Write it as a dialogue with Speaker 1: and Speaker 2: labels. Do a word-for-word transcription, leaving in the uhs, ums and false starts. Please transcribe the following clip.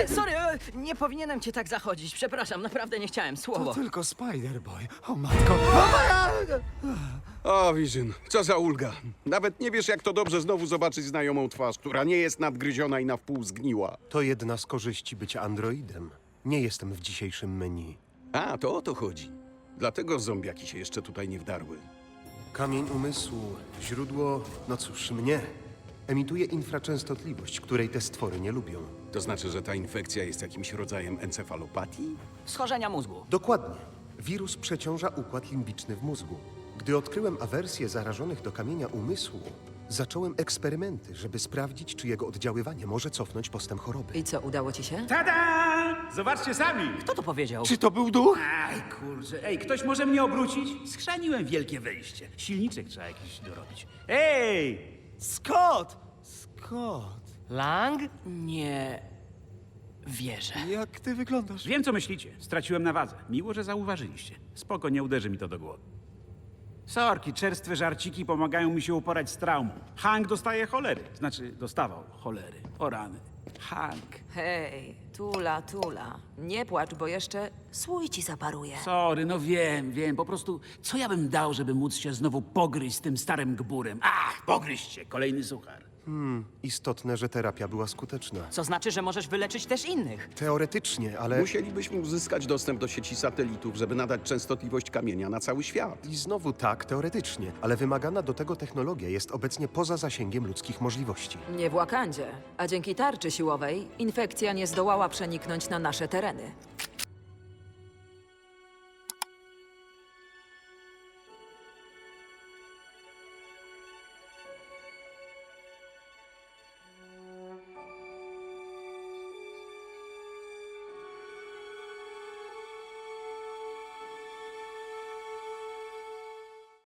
Speaker 1: E, sorry, e, nie powinienem cię tak zachodzić. Przepraszam, naprawdę nie chciałem. Słowo.
Speaker 2: To tylko Spider-Boy. O matko.
Speaker 3: O, Vision, co za ulga. Nawet nie wiesz, jak to dobrze znowu zobaczyć znajomą twarz, która nie jest nadgryziona i na wpół zgniła.
Speaker 4: To jedna z korzyści bycia androidem. Nie jestem w dzisiejszym menu.
Speaker 3: A, to o to chodzi. Dlatego zombiaki się jeszcze tutaj nie wdarły.
Speaker 4: Kamień umysłu, źródło, no cóż, mnie. Emituje infraczęstotliwość, której te stwory nie lubią.
Speaker 3: To znaczy, że ta infekcja jest jakimś rodzajem encefalopatii?
Speaker 1: Schorzenia mózgu.
Speaker 4: Dokładnie. Wirus przeciąża układ limbiczny w mózgu. Gdy odkryłem awersję zarażonych do kamienia umysłu, zacząłem eksperymenty, żeby sprawdzić, czy jego oddziaływanie może cofnąć postęp choroby.
Speaker 5: I co, udało ci się?
Speaker 6: Tada! Zobaczcie sami!
Speaker 1: Kto to powiedział?
Speaker 2: Czy to był duch?
Speaker 6: Aj, kurczę. Ej, ktoś może mnie obrócić? Schrzaniłem wielkie wejście. Silniczek trzeba jakiś dorobić. Ej!
Speaker 2: Scott! Scott,
Speaker 1: Lang? Nie wierzę.
Speaker 2: jak ty wyglądasz?
Speaker 6: Wiem, co myślicie. Straciłem na wadze. Miło, że zauważyliście. Spoko, nie uderzy mi to do głowy. Sorki, czerstwe żarciki pomagają mi się uporać z traumą. Hank dostaje cholery. Znaczy, dostawał cholery. O rany. Hank.
Speaker 5: Hej, tula, tula. Nie płacz, bo jeszcze słój ci zaparuje.
Speaker 6: Sorry, no wiem, wiem. Po prostu, co ja bym dał, żeby móc się znowu pogryźć z tym starym gburem? Ach, pogryźć się. Kolejny suchar.
Speaker 4: Istotne, że terapia była skuteczna.
Speaker 1: Co znaczy, że możesz wyleczyć też innych.
Speaker 4: Teoretycznie, ale...
Speaker 3: Musielibyśmy uzyskać dostęp do sieci satelitów, żeby nadać częstotliwość kamienia na cały świat.
Speaker 4: I znowu tak, teoretycznie, ale wymagana do tego technologia jest obecnie poza zasięgiem ludzkich możliwości.
Speaker 5: Nie w Wakandzie, a dzięki tarczy siłowej infekcja nie zdołała przeniknąć na nasze tereny.